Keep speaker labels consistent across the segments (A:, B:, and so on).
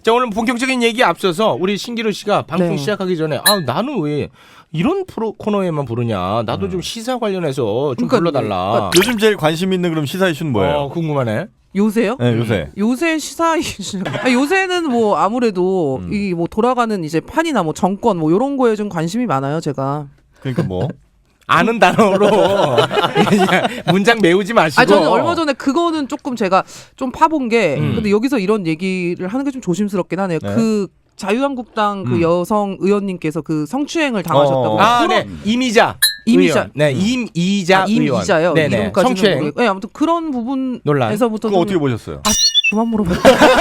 A: 자, 오늘 본격적인 얘기 앞서서 우리 신기루 씨가 방송
B: 네.
A: 시작하기 전에 나는 왜 이런 코너에만 부르냐. 나도 좀 시사 관련해서 좀 불러달라.
C: 요즘 제일 관심 있는 그럼 시사 이슈는 뭐예요?
A: 궁금하네.
B: 요새요?
C: 네, 요새.
B: 요새 시사 이슈. 요새는 뭐 아무래도 이 뭐 돌아가는 이제 판이나 뭐 정권 뭐 이런 거에 좀 관심이 많아요, 제가.
C: 그러니까 뭐?
A: 아는 단어로 그냥 문장 메우지 마시고.
B: 저는 얼마 전에 그거는 조금 제가 좀 파본 게 근데 여기서 이런 얘기를 하는 게 좀 조심스럽긴 하네요.
C: 네.
B: 그 자유한국당 그 여성 의원님께서 그 성추행을 당하셨다고.
A: 네. 이미자.
B: 이미자.
A: 의원. 네, 임이자 의원.
B: 임이자요.
A: 네네.
B: 이름까지는
A: 성추행.
B: 모르겠고. 네, 아무튼 그런 부분에서부터
C: 그거 어떻게 보셨어요?
B: 그만 물어봐.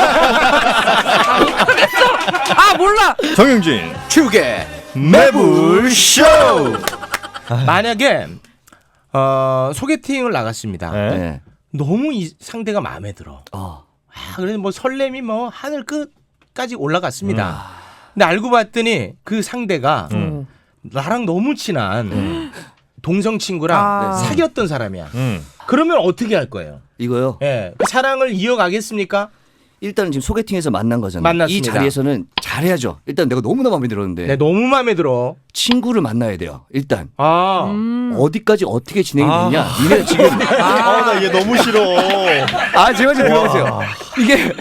B: 몰라.
C: 정영진
A: 축의
C: 매불쇼.
A: 만약에 소개팅을 나갔습니다.
C: 네.
A: 너무 이 상대가 마음에 들어. 그래서 뭐 설렘이 뭐 하늘 끝까지 올라갔습니다. 근데 알고 봤더니 그 상대가 나랑 너무 친한 동성 친구랑 사귀었던 사람이야. 그러면 어떻게 할 거예요?
D: 이거요.
A: 예, 그 사랑을 이어가겠습니까?
D: 일단은 지금 소개팅에서 만난 거잖아요.
A: 만났습니다.
D: 이 자리에서는 잘해야죠. 일단 내가 너무나 마음에 들었는데
A: 네, 너무 마음에 들어.
D: 친구를 만나야 돼요. 일단
A: 어디까지
D: 어떻게 진행이 되냐. 니네 지금
C: 나 얘 너무 싫어.
D: 제발 좀 들어보세요. 이게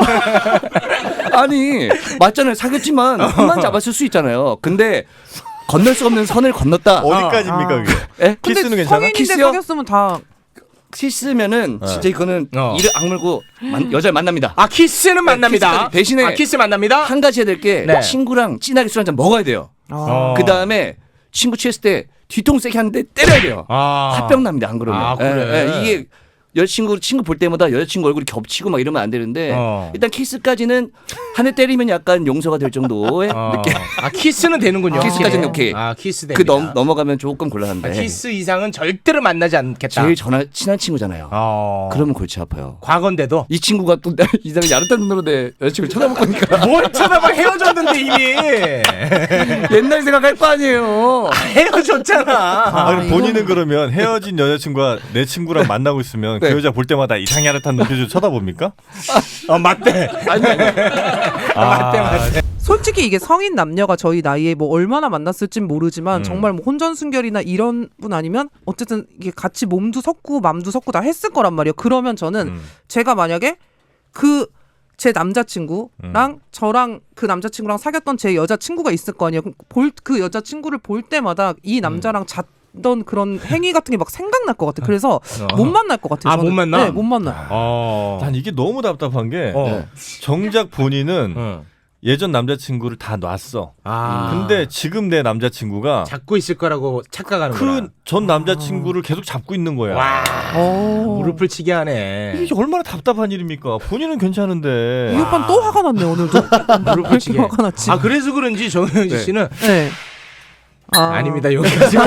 D: 아니 맞잖아요. 사귀었지만 손만 잡았을 수 있잖아요. 근데 건널 수 없는 선을 건넜다.
C: 어디까지입니까 그게?
D: 예?
C: 키스는 괜찮아?
B: 성인인데
D: 키스요?
B: 사귀었으면 다
D: 키스면은 진짜 이거는 이를 악물고 여자를 만납니다.
A: 키스는 만납니다.
D: 키스까지. 대신에
A: 키스 만납니다.
D: 한 가지 해야 될 게
A: 네.
D: 친구랑 진하게 술 한잔 먹어야 돼요. 그 다음에 친구 취했을 때 뒤통 세게 하는데 때려야 돼요. 화병 납니다. 안 그러면.
A: 그래.
D: 이게 친구 볼 때마다 여자친구 얼굴이 겹치고 막 이러면 안 되는데 일단 키스까지는 한 대 때리면 약간 용서가 될 정도의 느낌.
A: 키스는 되는군요.
D: 키스까지는 오케이.
A: 키스 됩니다.
D: 그 넘어가면 조금 곤란한데.
A: 키스 이상은 절대로 만나지 않겠다.
D: 제일 친한 친구잖아요. 그러면 골치 아파요.
A: 과거인데도
D: 이 친구가 또 이 사람이 야릇한 눈으로 내 여자친구를 쳐다볼 거니까.
A: 뭘 쳐다봐. 헤어졌는데 이미.
D: 옛날 생각할 거 아니에요.
A: 헤어졌잖아.
C: 본인은 그러면 헤어진 여자친구가 내 친구랑 만나고 있으면 그 여자 볼 때마다 이상히 야릇한 눈빛으로 쳐다봅니까?
A: 맞대. 맞대.
B: 솔직히 이게 성인 남녀가 저희 나이에 뭐 얼마나 만났을진 모르지만 정말 뭐 혼전순결이나 이런 분 아니면 어쨌든 이게 같이 몸도 섞고 맘도 섞고 다 했을 거란 말이에요. 그러면 저는 제가 만약에 제 남자친구랑 저랑 그 남자친구랑 사귀었던 제 여자친구가 있을 거 아니에요. 그 여자친구를 볼 때마다 이 남자랑 잤던 그런 행위 같은 게 막 생각날 것 같아요. 그래서 못 만날 것 같아요. 저는.
A: 못 만나?
B: 네, 못 만나요.
C: 난 이게 너무 답답한 게 정작 본인은 예전 남자친구를 다 놨어. 근데 지금 내 남자친구가
A: 잡고 있을 거라고 착각하는구나.
C: 그 전 남자친구를 계속 잡고 있는 거야.
A: 와, 무릎을 치게 하네.
C: 이게 얼마나 답답한 일입니까? 본인은 괜찮은데.
B: 이 오빠는 또 화가 났네 오늘도.
A: 무릎을 치게.
B: 화가 났지.
A: 그래서 그런지 정영진 씨는
B: 네.
A: 아닙니다. 여기까지.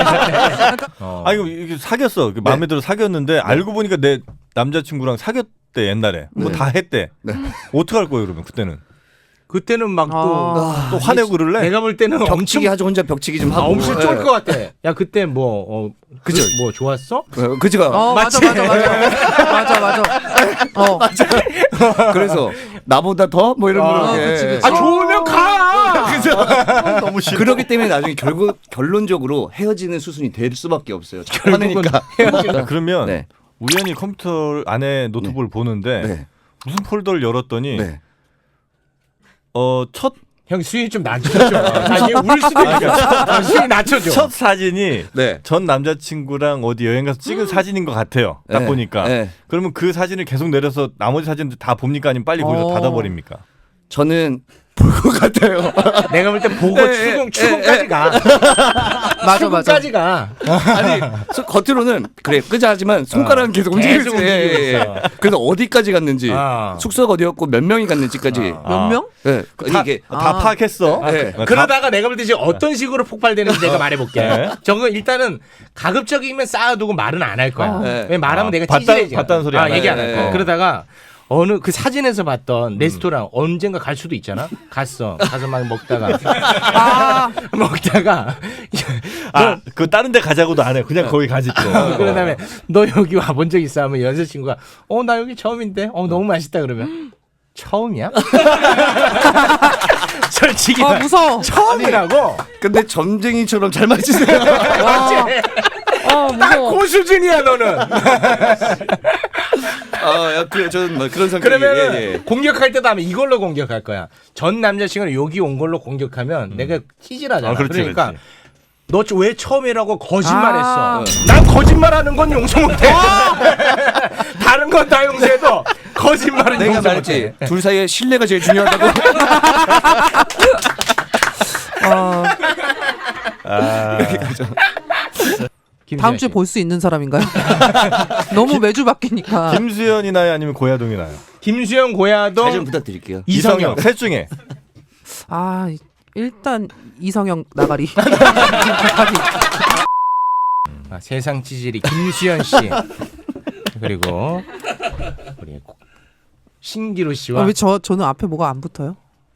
C: 이거 사귀었어. 마음에 들어 사귀었는데 알고 보니까 내 남자친구랑 사귀었대 옛날에. 뭐 다 했대. 어떡할 거예요 그러면 그때는?
A: 그때는 막
C: 또 화내고 그럴래?
A: 내가 볼 때는
D: 벽치기 하죠. 혼자 벽치기 좀 하고.
A: 엄청 쫄 것 같아. 야 그때 뭐
D: 그죠?
A: 뭐 좋았어?
D: 그죠?
B: 맞아.
D: 그래서 나보다 더 뭐 이런 거.
B: 그치.
A: 좋으면 가.
C: 너무 싫어.
D: 그러기 때문에 나중에 결론적으로 헤어지는 수순이 될 수밖에 없어요. 화내니까.
C: 그러면
D: 네.
C: 우연히 컴퓨터 안에 노트북을 보는데
D: 네.
C: 무슨 폴더를 열었더니
D: 네.
A: 형 수위 좀 낮춰줘. 나중에 울 수도 있어. 수위 낮춰줘.
C: 첫 사진이
D: 네.
C: 전 남자친구랑 어디 여행 가서 찍은 사진인 것 같아요. 딱
D: 네.
C: 보니까.
D: 네.
C: 그러면 그 사진을 계속 내려서 나머지 사진들 다 봅니까? 아니면 빨리 거기서 닫아버립니까?
D: 저는 볼 것 같아요.
A: 내가 볼 때 보고 추궁까지 가.
B: 맞아.
A: 추궁까지 가.
D: 아니 겉으로는 그래 끄자하지만 손가락은 계속 움직이고 있어요. 그래서 어디까지 갔는지 숙소가 어디였고 몇 명이 갔는지까지
B: 몇 명?
D: 네. 이게
C: 다 파악했어.
D: 네.
A: 그러다가 내가 볼 때 이제 어떤 식으로 폭발되는지 내가 말해볼게. 저거 일단은 가급적이면 쌓아두고 말은 안 할 거야. 왜 말하면 내가 찌질해져.
C: 봤다는 소리 안
A: 얘기 안 할 거야.
D: 네.
A: 그러다가 어느 그 사진에서 봤던 레스토랑 언젠가 갈 수도 있잖아. 가서 막 먹다가
C: 그 다른 데 가자고도 안 해. 그냥 거기 가지 또.
A: 그런 다음에 너 여기 와본 적 있어 하면 여자친구가 나 여기 처음인데 너무 맛있다 그러면 처음이야? 솔직히
B: 무서워.
A: 처음이라고.
D: 근데 점쟁이처럼 잘 맞으세요.
B: 무서워.
A: 그 수준이야 너는.
D: 저는 뭐 그런 성격이.
A: 그러면
D: 예.
A: 공격할 때도 하면 이걸로 공격할 거야. 전 남자친구를 여기 온 걸로 공격하면 내가 찌질하잖아.
C: 그렇지,
A: 그러니까
C: 그렇지.
A: 너 왜 처음이라고 거짓말했어. 난 거짓말하는 건 용서 못해. 다른 건 다 용서해도 거짓말은
D: 내가
A: 용서
D: 말했지.
A: 못해.
D: 둘 사이에 신뢰가 제일 중요하다고.
B: 다음 주에 볼 수 있는 사람인가요? 너무 매주 바뀌니까.
C: 김수현이 나요, 아니면 고야동이 나요?
A: 김수영, 고야동,
D: 잘 좀 부탁드릴게요.
A: 이성영.
C: 셋 중에.
B: 일단 이성영 나가리.
A: 세상 찌질이 김수현 씨 그리고 우리 신기루 씨와
B: 왜 저는 앞에 뭐가 안 붙어요?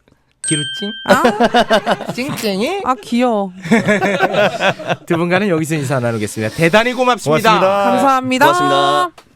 A: 기루찡? 찡찡이?
B: 귀여워.
A: 두 분과는 여기서 인사 나누겠습니다. 대단히 고맙습니다.
C: 고맙습니다.
B: 감사합니다.
D: 고맙습니다.